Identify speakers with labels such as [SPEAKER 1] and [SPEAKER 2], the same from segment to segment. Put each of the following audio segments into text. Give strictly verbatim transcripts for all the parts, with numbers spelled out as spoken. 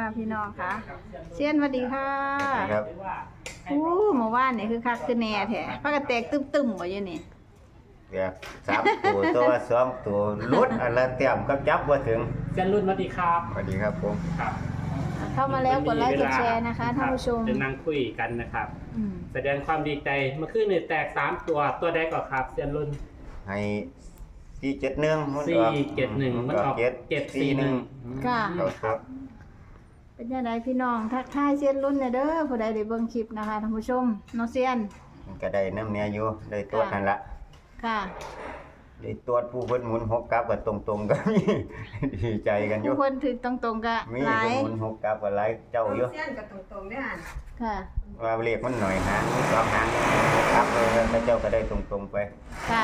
[SPEAKER 1] พี่น้องค่ะเซียนสวัสดีค่ะ
[SPEAKER 2] ครับ
[SPEAKER 1] อู้เมื่อวานนี่คือคักคือแน่แท้พากันแตกตึมๆบ่อยู่นี่
[SPEAKER 2] แบบสามตัวตัวสองตัวลุดอันละเต็มก็จับว่าถึง
[SPEAKER 3] เซียนรุ่นสวัสดีครับ
[SPEAKER 2] สวัสดีครับผม
[SPEAKER 3] ครับ
[SPEAKER 1] เข้ามาแล้วกดไลค์กดแชร์นะคะท่านผู้ชม
[SPEAKER 3] จะนั่งคุยกันนะครับ
[SPEAKER 1] อืม
[SPEAKER 3] แสดงความดีใจเมื่อคืนนี่แตกสามตัวตัวใดก่อนครับเซียนรุ่น
[SPEAKER 2] ให้สี่เจ็ดหนึ่งมัน
[SPEAKER 3] สี่
[SPEAKER 2] ออก
[SPEAKER 3] เจ็ดหนึ่งมันออก
[SPEAKER 2] เจ็ด
[SPEAKER 3] เจ็ดสี่หนึ่ง
[SPEAKER 1] ค่ะ
[SPEAKER 2] เขาครับ
[SPEAKER 1] เป็นยังไงพี่น้องทักทายเซียนรุ่นเนี่ยเด้อผู้ใดได้เบิ่งคลิปนะคะท่านผู้ชมน้องเซียน
[SPEAKER 2] มันก็ได้น้ำเนี้ยอยู่ได้ตัวนั่นละ
[SPEAKER 1] ค่ะ
[SPEAKER 2] ได้ตัวผู้เพิ่นหมุนหกกลับกับตรงๆก็มี ดีใจกันอ
[SPEAKER 1] ผู้
[SPEAKER 2] ยู่
[SPEAKER 1] คนถึกตรงๆก็
[SPEAKER 2] มี
[SPEAKER 1] หลาย
[SPEAKER 2] เพิ่นหมุนหกกลับกับหลายเจ้าอยู่
[SPEAKER 4] เส้นกับตรงๆได้อ่าน
[SPEAKER 1] ค่ะ
[SPEAKER 2] ว่าเลขมันหน่อยหางมีสองหางหกกลับเลยแล้วเจ้าก็ได้ตรงๆไป
[SPEAKER 1] ค่ะ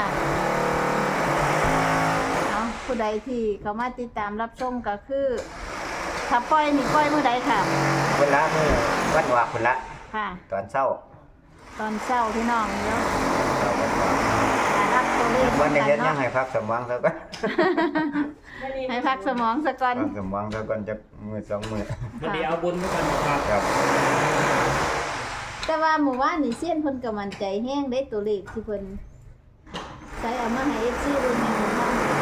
[SPEAKER 1] เอาผู้ใดที่เขามาติดตามรับชมก็คือถ้าปล่อยนี่ปล่อยเมื่อใดค่ะ
[SPEAKER 2] เวลามื้อวันว่าพุ่นละ
[SPEAKER 1] ค่ะ
[SPEAKER 2] ตอนเช้า
[SPEAKER 1] ตอนเช้าพี่น้องเนาะ
[SPEAKER 2] เช้าวันว่า
[SPEAKER 1] รับตัวเลข
[SPEAKER 2] วันนี้เฮ็ดยั
[SPEAKER 1] เนาะ
[SPEAKER 2] งให้พักสมองซะก่อน
[SPEAKER 1] ให้พักสมองซะก่อน
[SPEAKER 2] พักสมองซะก่อนจักมื้อสองมื้อ
[SPEAKER 3] วันนี้เอาบุญมากันครับ
[SPEAKER 2] ครับ
[SPEAKER 1] แต่ว่าหมู่บ้านนี่เซียนเพิ่นก็มั่นใจแฮงได้ตัวเลขที่เพิ่นใส่เอามาให้ เอฟ ซี ดูแม่นบ่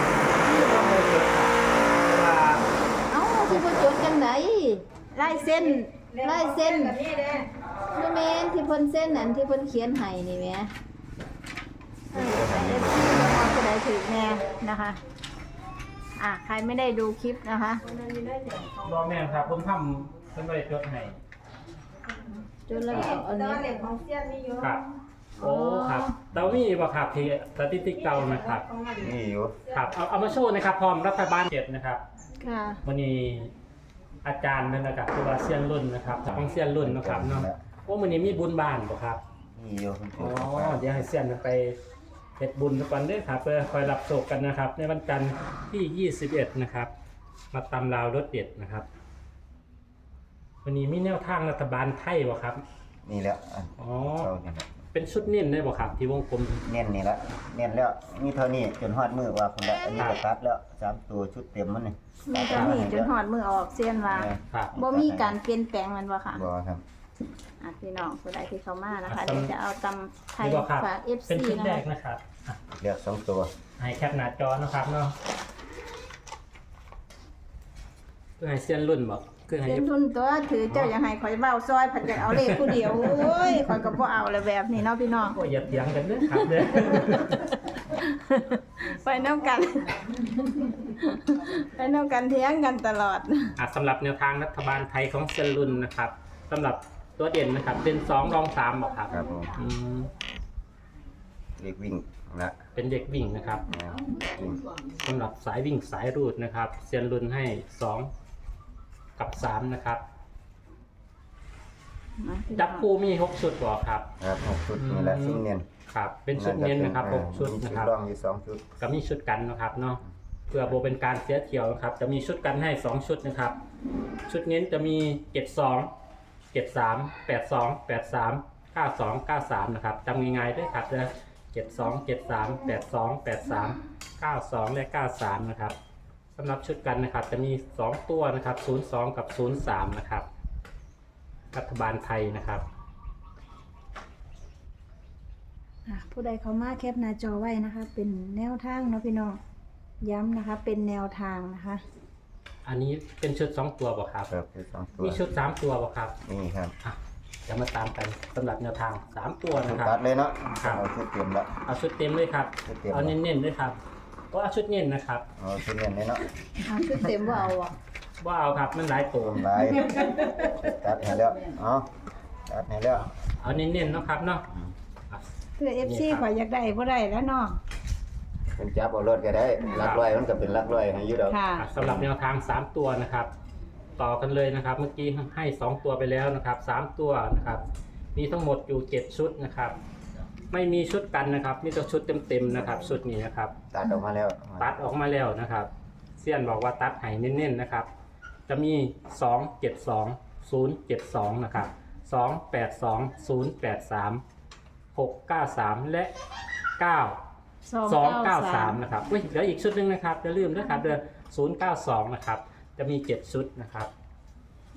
[SPEAKER 1] เอ้าสิบ่จดจังไดลายเส้นลายเส้น
[SPEAKER 4] แบบนี้เด้
[SPEAKER 1] บ่แม่นที่เพิ่นเส้นนั่นที่เพิ่นเขียนให้นี่แหมเออให้ เอฟ ซี บ่ว่าผู้ใดถูกแน่นะคะอ่ะใครไม่ได้ดูคลิปนะคะ
[SPEAKER 4] มันมีได้อย่างของ
[SPEAKER 3] รอแม่ครับผมทำเป็นบริจดให้
[SPEAKER 1] จดแล้วก็เอาอัน
[SPEAKER 4] แต่
[SPEAKER 1] นี้
[SPEAKER 4] ว่าเหล็กของเส้นมีเยอะ
[SPEAKER 3] ครับโอ้ครับเตามีบ่ครับที่สถิติเก่านะครับ
[SPEAKER 4] ของมัน
[SPEAKER 2] นี่อยู่
[SPEAKER 3] ครับเอาเอามาโชว์นะครับพร้อมรัฐบาลเจ็ดนะครับ
[SPEAKER 1] ค่ะ
[SPEAKER 3] วันนี้อาจารย์นั่นนะครับคือว่าเซียนรุ่นนะครับของเซียนรุ่นนะครับเนาะโอ้วันนี้มีบุญบ้านบ่ครับ
[SPEAKER 2] นี่อยู่คุณ
[SPEAKER 3] อ๋
[SPEAKER 2] ครู
[SPEAKER 3] อเดี๋ยวให้เซียนไปเฮ็ดบุญทุกวันเด้อครับเพื่อคอยรับโศกกันนะครับ ในวันจันทร์ที่ยี่สิบเอ็ดนะครับ มาตำราวรถเด็ดนะครับ วันนี้มีแนวทางรัฐบาลไทยบ่ครับ
[SPEAKER 2] นี่แหละอัน
[SPEAKER 3] อ๋อ
[SPEAKER 2] เท่านี้แหละ
[SPEAKER 3] เป็นชุดนิ่นได้บ่ครับ ที่วงกลม
[SPEAKER 2] เน้นนี่ละเน้นแล้วมีเท่านี้จนฮอดมือว่าคุณละอันนี้ก็ตัดแล้วสามตัวชุดเต็มมันนี่
[SPEAKER 1] มีแต่นี่จนหอดมือออกเซียนว่า
[SPEAKER 3] ครับ
[SPEAKER 1] บ่มีการเปลี่ยนแปลงมันบ่ค่ะ
[SPEAKER 2] บ่ครับ
[SPEAKER 1] อ่ะพี่น้องผู้ใดที่เข้ามานะคะเดี๋ยวจะเอาตำไทย
[SPEAKER 3] นี่บ่ครับ
[SPEAKER 1] ฝาก เอฟ
[SPEAKER 3] เป็น
[SPEAKER 1] ซี
[SPEAKER 3] ชุด
[SPEAKER 1] นะ
[SPEAKER 3] แร
[SPEAKER 1] คะ
[SPEAKER 3] กนะครับอ่ะ
[SPEAKER 2] เลือกสองตัว
[SPEAKER 3] ให้แคปหน้าจอนะครับเนาะเพื่อให้เซียนรุ่นบอกคือให้
[SPEAKER 1] เป็นทุนตัวถือเจ้าอย่างให้ข่อยเว้าซอยผัดจะเอาเลขผู้เดียวโอ้ยข่อยก็บ่เอาเลยแบบนี้เนาะพี่น้อง
[SPEAKER 3] โอ้ยอย่าเถียงกันเด้อครับเด้อ
[SPEAKER 1] ไปน้ำกัน ไปน้ำกันเถียงกันตลอด
[SPEAKER 3] อ่ะสำหรับแนวทางรัฐบาลไทยของเซียนรุ่นนะครับสำหรับตัวเด่นนะครับเป็นสองรองสามบอกครับ
[SPEAKER 2] ครับผม
[SPEAKER 3] อืม
[SPEAKER 2] เรียกวิ่งละ
[SPEAKER 3] เป็นเด็กวิ่งนะครับ
[SPEAKER 2] นะวิ่ง
[SPEAKER 3] สำหรับสายวิ่งสายรูดนะครับเซียนรุ่นให้สองกับสามนะครับจับคู่มีหกชุดบอกครับ
[SPEAKER 2] ครับหกชุดนี่แหละชุดเน้น
[SPEAKER 3] ครับ เป็นชุดเน้นนะครับหกชุด
[SPEAKER 2] มี
[SPEAKER 3] นะ
[SPEAKER 2] ชุด
[SPEAKER 3] ครับ
[SPEAKER 2] รองอยู่สองชุด
[SPEAKER 3] ก็มีชุดกันนะครับเนาะเพื่อโบเป็นการเสียเที่ยวนะครับ จะมีชุดกันให้สองชุดนะครับ ชุดเน้นจะมีเจ็ดสองเจ็ดสามแปดสองแปดสามเก้าสองเก้าสามนะครับจำง่ายๆด้วยครับนะเจ็ดสองเจ็ดสามแปดสองแปดสามเก้าสองและเก้าสามนะครับสำหรับชุดกันนะครับ จะมีสองตัวนะครับศูนย์สองกับศูนย์สามนะครับรัฐบาลไทยนะครับ
[SPEAKER 1] อ่ะผู้ใดเข้ามาแคปหน้าจอไว้นะคะ เป็นแนวทางเนาะพี่น้องย้ำนะคะ เป็นแนวทางนะคะ
[SPEAKER 3] อันนี้เป็นชุดสองตัวบ่ครับ
[SPEAKER 2] ครับคือสองตัว
[SPEAKER 3] มีชุดสามตัวบ่ครับ
[SPEAKER 2] นี่ครับ
[SPEAKER 3] อ่ะจะมาตามกันสำหรับแนวทางสามตัวนะครับ
[SPEAKER 2] ตัดเลยเนาะ
[SPEAKER 3] ครับ
[SPEAKER 2] เอาชุดเต็มละ
[SPEAKER 3] เอาชุดเต็มเลยครับ
[SPEAKER 2] ชุดเต็ม
[SPEAKER 3] เอาเน้นๆด้วยครับก็เอาชุดเน้นนะครับ
[SPEAKER 2] เอาชุดเน้นเลยเนาะ
[SPEAKER 1] เอาชุดเต็มว่าเอาอ่ะ
[SPEAKER 3] ว่าเอาครับมันหลายตัว
[SPEAKER 2] ลายตัดให้แล้วเอาตัดให้แล้ว
[SPEAKER 3] เอาเน้นๆเนาะครับเนาะอ่ะ
[SPEAKER 1] เพื่อ เอฟ ซี ข่อยอยากได้บ่ได้แล้วเนาะ
[SPEAKER 2] เป็นจับเอารถก็ได้ลักร้อยมันก็เป็นลักร้อยให้อยู่ดอก
[SPEAKER 1] ค่ะ
[SPEAKER 3] อ่ะสำหรับแนวทางสามตัวนะครับ ต่อกันเลยนะครับ เมื่อกี้ให้สองตัวไปแล้วนะครับสามตัวนะครับ มีทั้งหมดอยู่เจ็ดชุดนะครับ ไม่มีชุดกันนะครับมีแต่ชุดเต็มๆนะครับชุดนี้นะครับ
[SPEAKER 2] ตัดออกมาแล้ว
[SPEAKER 3] ตัดออกมาแล้วนะครับเซียนบอกว่าตัดให้เน้นๆนะครับ จะมีสองเจ็ดสอง ศูนย์เจ็ดสองนะครับสองแปดสอง ศูนย์แปดสาม หกเก้าสามและเก้า สองเก้าสามนะครับอุ้ยเหลืออีกชุดหนึ่งนะครับอย่าลืมด้วยครับเดือนศูนย์เก้าสองนะครับจะมีเจ็ดชุดนะครับ
[SPEAKER 1] อ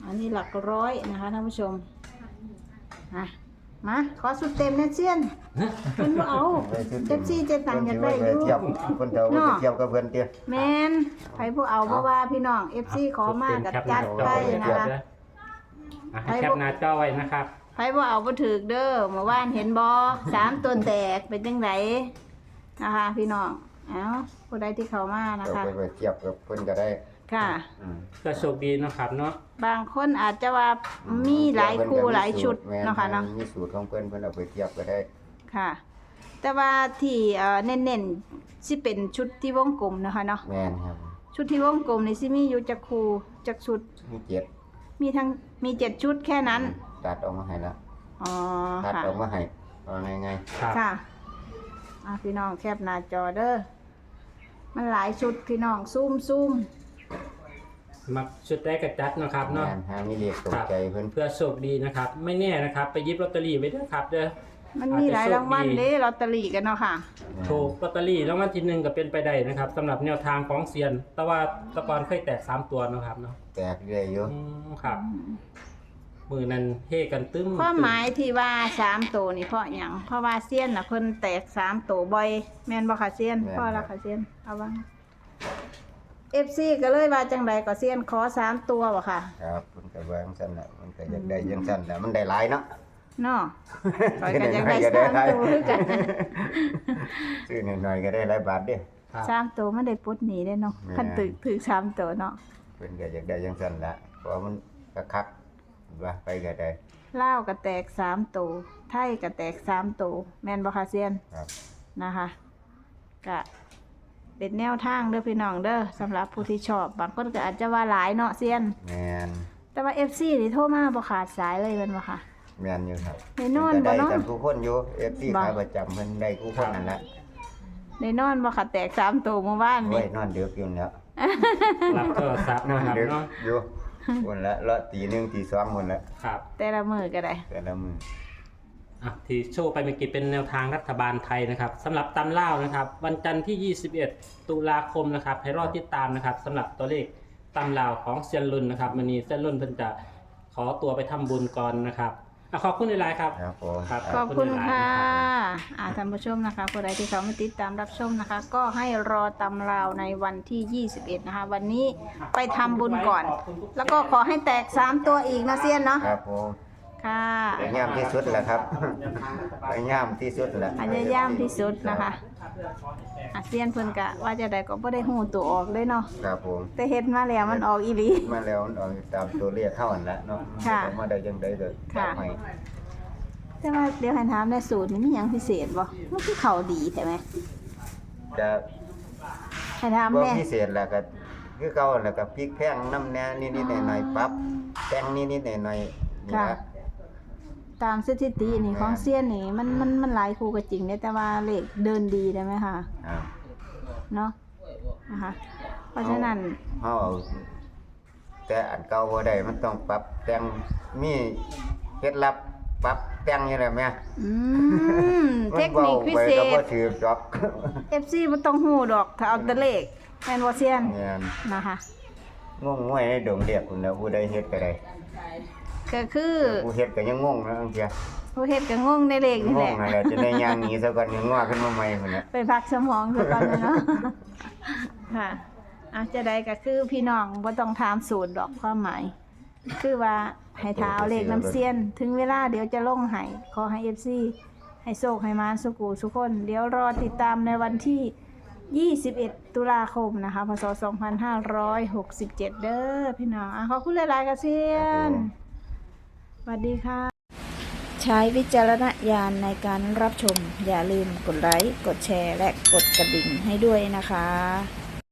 [SPEAKER 1] อันนี้หลักร้อยนะคะท่านผู้ชมอ่ะมาขอสุดเต็มนะเซียนเพิ่นบ่เอาเจ็บซี่เจ็บตังค์อยากได้อยู่
[SPEAKER 2] เทียบคนเฒ่าบ่เทียบกับเพิ่นเตี้ย
[SPEAKER 1] แมนไผบ่เอาเพราะว่าพี่น้อง เอฟ ซี ขอมากับจัดไปนะคะ
[SPEAKER 3] อ่ะให้แคปหน้าจอไว้นะครับ
[SPEAKER 1] ไผบ่เอาบ่ถูกเด้อเมื่อวานเห็นบ่สามต้นแตกเป็นจังไดนะคะ พี่น้องเอ้าผู้ใดที่เข้ามานะ
[SPEAKER 2] เรา
[SPEAKER 1] คะ
[SPEAKER 2] ไปเทียบกับเพิ่นก็ได้
[SPEAKER 1] ค่ะ
[SPEAKER 2] อืม
[SPEAKER 3] ก็โชคดีเนาะครับเนาะ
[SPEAKER 1] บางคนอาจจะว่ามีหลายคู่หลายชุดเนาะค่ะเนาะ
[SPEAKER 2] มีสูตรของเพิ่นเพิ่นเอาไปเทียบก็ได้
[SPEAKER 1] ค่ะ แต่ว่าที่เอ่อเน้นๆสิเป็นชุดที่วงกลมนะคะเนาะ
[SPEAKER 2] แม่นครับ
[SPEAKER 1] ชุดที่วงกลมนี่สิมีอยู่จักคู่จักชุด
[SPEAKER 2] มีเจ็ด
[SPEAKER 1] มีทั้งมีเจ็ดชุดแค่นั้น
[SPEAKER 2] ตัดออกมาให้แล้ว
[SPEAKER 1] อ๋อ
[SPEAKER 2] ตัด
[SPEAKER 1] ค่ะ
[SPEAKER 2] ออกมาให้ว่าไง
[SPEAKER 3] ครับ
[SPEAKER 1] ค่ะอ่ะพี่น้องแคปหน้าจอเด้อมันหลายชุดพี่น้องซูมซูม
[SPEAKER 3] มักชุดได้กระจัดเนาะครับ
[SPEAKER 2] ๆ
[SPEAKER 3] เนาะ
[SPEAKER 2] แม่นหามีเลขตกใจเพิ่น
[SPEAKER 3] เพื่อโชคดีนะครับ ไม่แน่นะครับ ไปหยิบลอตเตอรี่ไว้ด้วยครับเด้อ
[SPEAKER 1] มันมีหลายรางวัลเด้ลอตเตอรี่กันเนาะค่ะ
[SPEAKER 3] ถูกลอตเตอรี่รางวัลที่หนึ่งก็เป็นไปได้นะครับสำหรับแนวทางของเซียน แต่ว่าแตะกอนเคยแตกสามตัวเนาะครับเนาะ
[SPEAKER 2] แตกเรื่อยอยู่
[SPEAKER 3] อืมครับมือนั้นเฮกันตึ้ม
[SPEAKER 1] ความหมายที่ว่าสามตัวนี่เพราะหยังเพราะว่าเซียนน่ะเพิ่นแตกสามตัวบ่อยแม่นบ่ค่ะเซียนพ่อละค่ะเซียนเอาว่า เอฟ ซี ก็เลยว่าจังไดก็เซียนขอสามตัวบ่ค่ะ
[SPEAKER 2] ครับเพิ่นก็ว่าจังซั่นน่ะมันก็อยากได้จังซั่นแหละมันได้หลายเนาะ
[SPEAKER 1] เนาะข้อยก็อยากได้สามตัวคือกัน
[SPEAKER 2] ซื้อหน่อยๆก็ได้หลายบาทเด้
[SPEAKER 3] ครับ
[SPEAKER 1] สามตัวมันได้ปลดหนีได้เนาะ
[SPEAKER 2] แม่
[SPEAKER 1] คันตึกถือสามตัวเนาะ
[SPEAKER 2] เพิ่นก็อยากได้จังซั่นละเพราะมันก็คักว่าไปก็ได้
[SPEAKER 1] ลาวก็แตกสามตัวไทยก็แตกสามตัวแม่นบ่ค่ะเซียน
[SPEAKER 2] ครับ
[SPEAKER 1] นะคะก็เป็นแนวทางเด้อพี่น้องเด้อสำหรับผู้ที่ชอบบางคนก็อาจจะว่าหลายเนาะเซียน
[SPEAKER 2] แม่น
[SPEAKER 1] แต่ว่า เอฟ ซี นี่โทรมาบ่ขาดสายเลยแม่นบ่ค่ะ
[SPEAKER 2] แม่นอยู่ครับ
[SPEAKER 1] ได้นอน
[SPEAKER 2] เพิ่ก็
[SPEAKER 1] บ่
[SPEAKER 2] ได้
[SPEAKER 1] เนาะ
[SPEAKER 2] กันทุกคนอยู่ เอฟ ซี
[SPEAKER 1] บ่
[SPEAKER 2] ขายประจำเพิ่นได้ทุกคนนั่นแหละ
[SPEAKER 1] ได้นอนบ่ค่ะแตกสามตัวเมื่อวาน
[SPEAKER 2] โอ้
[SPEAKER 1] นี่
[SPEAKER 2] ยนอนดึกอยู่แล้ว
[SPEAKER 3] รับโทรศัพท์
[SPEAKER 2] นอน
[SPEAKER 3] นะครับ
[SPEAKER 2] ดึก
[SPEAKER 3] เนาะ
[SPEAKER 2] อยู่คนละละตีหนึ่งตีสองคนละ
[SPEAKER 3] ครับ
[SPEAKER 1] แต่ละมื้อก็ได้
[SPEAKER 2] แต่ละมือ
[SPEAKER 3] อ่ะที่โชว์ไปเมื่อกี้เป็นแนวทางรัฐบาลไทยนะครับสำหรับตำล่าวนะครับ วันจันทร์ที่ ยี่สิบเอ็ด ตุลาคมนะครับ ให้รอติดตามนะครับสำหรับตัวเลขตำล่าวของเซียนรุ่นนะครับวันนี้เซียนรุ่นเพิ่นจะขอตัวไปทำบุญก่อนนะครับอ่ะขอบคุณหลายๆครับ
[SPEAKER 2] ครับผม
[SPEAKER 3] ครับ
[SPEAKER 1] ขอบคุณ
[SPEAKER 3] หลายๆ
[SPEAKER 1] ค่ะ
[SPEAKER 3] รับ
[SPEAKER 1] อ่าท่านผู้ชมนะคะผู้ใดที่เขามาติดตามรับชมนะคะ ก็ให้รอตำราวในวันที่ ยี่สิบเอ็ด นะคะ วันนี้ไปทำบุญก่อน แล้วก็ขอให้แตกสามตัวอีกนะเซียนเนาะ
[SPEAKER 2] ครับผม
[SPEAKER 1] ค่ะ
[SPEAKER 2] พยายามที่สุดแหละครับพยายามที่สุดแหละ
[SPEAKER 1] พยายามที่สุดนะคะอาเซียนเพิ่นกะว่าจะได้ก็บ่ได้ฮู้ตัวออกเลยเนาะ
[SPEAKER 2] ครับผม
[SPEAKER 1] แต่เฮ็ดมาแล้วมันออกอีหลี
[SPEAKER 2] มาแล้วมันออกตามตัวเลขเท่านั้นแหละเนาะ
[SPEAKER 1] ค่ะ
[SPEAKER 2] ออกมาได้ยังได้เลย
[SPEAKER 1] ค่ะ
[SPEAKER 2] ให้
[SPEAKER 1] แต่ว่าเดี๋ยวให้ถามในสูตรนี่มีหยังพิเศษบ่มันคือเข้าดีใช่ไหม
[SPEAKER 2] จะ
[SPEAKER 1] ให้ถาม
[SPEAKER 2] บ่
[SPEAKER 1] แน่
[SPEAKER 2] พิเศษแล้วก็คือเก่าแล้วก็พริกแพงน้ำแหน่นิดๆหน่อยๆปรับแต่งนิดๆหน่อยๆนี่
[SPEAKER 1] ค่ะ
[SPEAKER 2] นะ
[SPEAKER 1] ตามสถิตินี่ของเซียนนี่มันมันมันหลายคู่ก็จริงเนี่ยแต่ว่าเลขเดินดีได้ไหมคะ
[SPEAKER 2] ครับ
[SPEAKER 1] เนาะนะคะเพราะฉะนั้น
[SPEAKER 2] เฮาเอาแต่อันเก่าบ่ได้มันต้องปรับแต่งมีเคล็ดลับปรับแต่งอยู่แล้วแม่
[SPEAKER 1] อืมเทคนิคพิเศ
[SPEAKER 2] มันว้าไปก็บ่
[SPEAKER 1] ษ
[SPEAKER 2] ถือดอก
[SPEAKER 1] เอฟ ซี บ่ต้องฮู้ดอกถ้าเอาแต่เลขแม่นบ่เซียน
[SPEAKER 2] แม่น
[SPEAKER 1] นะคะ
[SPEAKER 2] งงงวยในดงเรียกพุ่นแล้วผู้ใดเฮ็ดก็ได้
[SPEAKER 1] ก็คือ
[SPEAKER 2] ผู้เฮ็ดก็ยังงงนะบางเที
[SPEAKER 1] ผู้เฮ็ดก็งงในเลขนี่
[SPEAKER 2] ง
[SPEAKER 1] แห
[SPEAKER 2] ง
[SPEAKER 1] ละ
[SPEAKER 2] นั่นแหละจะได้ย่างหนีซะก่อนยังงอขึ้นมาใหม่พุ่นน่ะ
[SPEAKER 1] ไปพักสมองซะก่อนเนาะ ค่ะอาจจะได้ก็คือพี่น้องบ่ต้องถามสูตรดอกความหมาย คือว่าให้ท้าเอาเลขน้ำเซียน ถึงเวลาเดี๋ยวจะลงให้ขอให้ เอฟ ซี ให้โชคให้มาสุกูสุกคน เดี๋ยวรอติดตามในวันที่ ยี่สิบเอ็ด ตุลาคมนะคะพศสองพันห้าร้อยหกสิบเจ็ด เด้อพี่น้องอ่ะขอบคุณหลายๆกระเซียนสวัสดีค่ะ ใช้วิจารณญาณในการรับชม อย่าลืมกดไลค์ กดแชร์ และกดกระดิ่งให้ด้วยนะคะ